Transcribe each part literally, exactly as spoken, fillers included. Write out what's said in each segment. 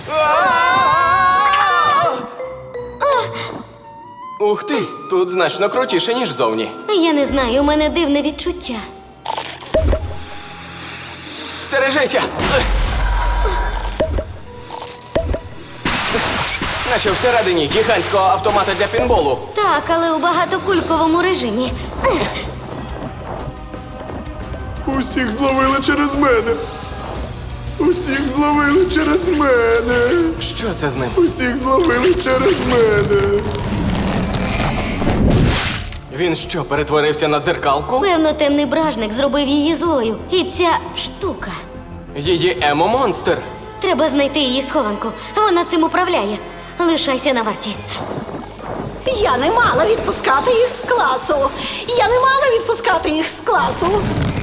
Ух ти, тут значно крутіше, ніж зовні. Я не знаю, у мене дивне відчуття. Стережися! Наче всередині гігантського автомата для пінболу. Так, але у багатокульковому режимі. Усіх зловили через мене. Усіх зловили через мене. Що це з ним? Усіх зловили через мене. Він що, перетворився на дзеркалку? Певно, темний бражник зробив її злою. І ця штука. Її емо-монстр. Треба знайти її схованку. Вона цим управляє. Лишайся на варті. Я не мала відпускати їх з класу. Я не мала відпускати їх з класу.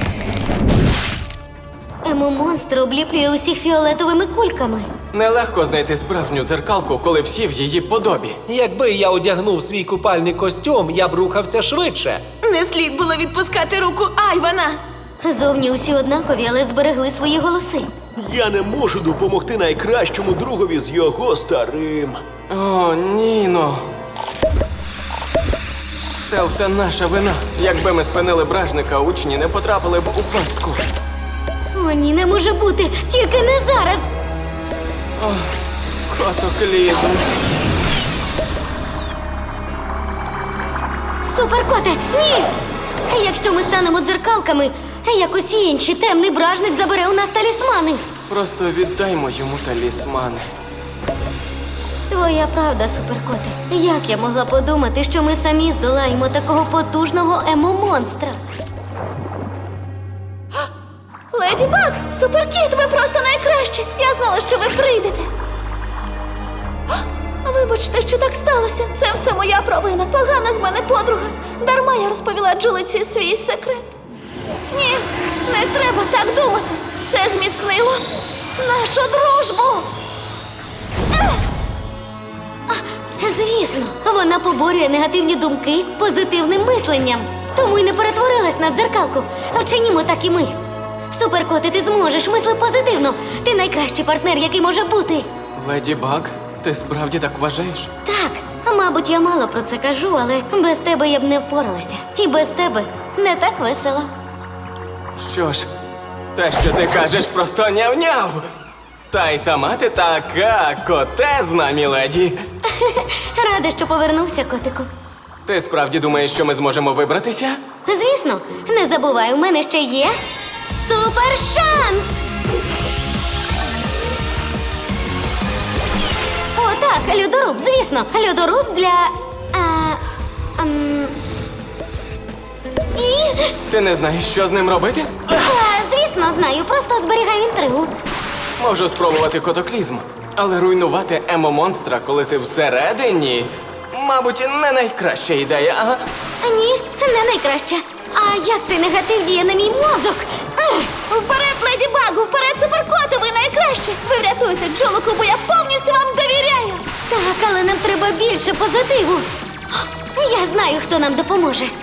Емо-монстр обліплює усіх фіолетовими кульками. Нелегко знайти справжню дзеркалку, коли всі в її подобі. Якби я одягнув свій купальний костюм, я б рухався швидше. Не слід було відпускати руку Айвана. Зовні усі однакові, але зберегли свої голоси. Я не можу допомогти найкращому другові з його старим. О, Ніно. Це все наша вина. Якби ми спинили бражника, учні не потрапили б у пастку. О, ні, не може бути! Тільки не зараз! Котоклізм. Суперкоте, ні! Якщо ми станемо дзеркалками, як усі інші, темний бражник забере у нас талісмани. Просто віддаймо йому талісмани. Твоя правда, суперкоте. Як я могла подумати, що ми самі здолаємо такого потужного емо-монстра? Леді Баг, Суперкіт, ви просто найкращі. Я знала, що ви прийдете. Вибачте, що так сталося. Це все моя провина. Погана з мене подруга. Дарма я розповіла Джулиці свій секрет. Ні, не треба так думати. Це зміцнило нашу дружбу. Звісно, вона поборює негативні думки позитивним мисленням. Тому й не перетворилась на дзеркалку. Вчинімо так і ми. Суперкоте, ти зможеш, мисли позитивно. Ти найкращий партнер, який може бути. Леді Баг, ти справді так вважаєш? Так, мабуть, я мало про це кажу, але без тебе я б не впоралася. І без тебе не так весело. Що ж, те, що ти кажеш, просто няв-няв. Та й сама ти така котезна, міледі. Рада, що повернувся, котику. Ти справді думаєш, що ми зможемо вибратися? Звісно, не забувай, у мене ще є супершанс! О, так, льодоруб, звісно. Льодоруб для... А, ам, і... Ти не знаєш, що з ним робити? А, звісно, знаю, просто зберігаю інтригу. Можу спробувати котоклізм, але руйнувати емо-монстра, коли ти всередині, мабуть, не найкраща ідея, ага? Ні, не найкраще. А як цей негатив діє на мій мозок? Ех! Вперед, Леді Багу, вперед, Суперкоте, ви найкраще. Ви врятуєте Джулику, бо я повністю вам довіряю. Так, але нам треба більше позитиву. Я знаю, хто нам допоможе.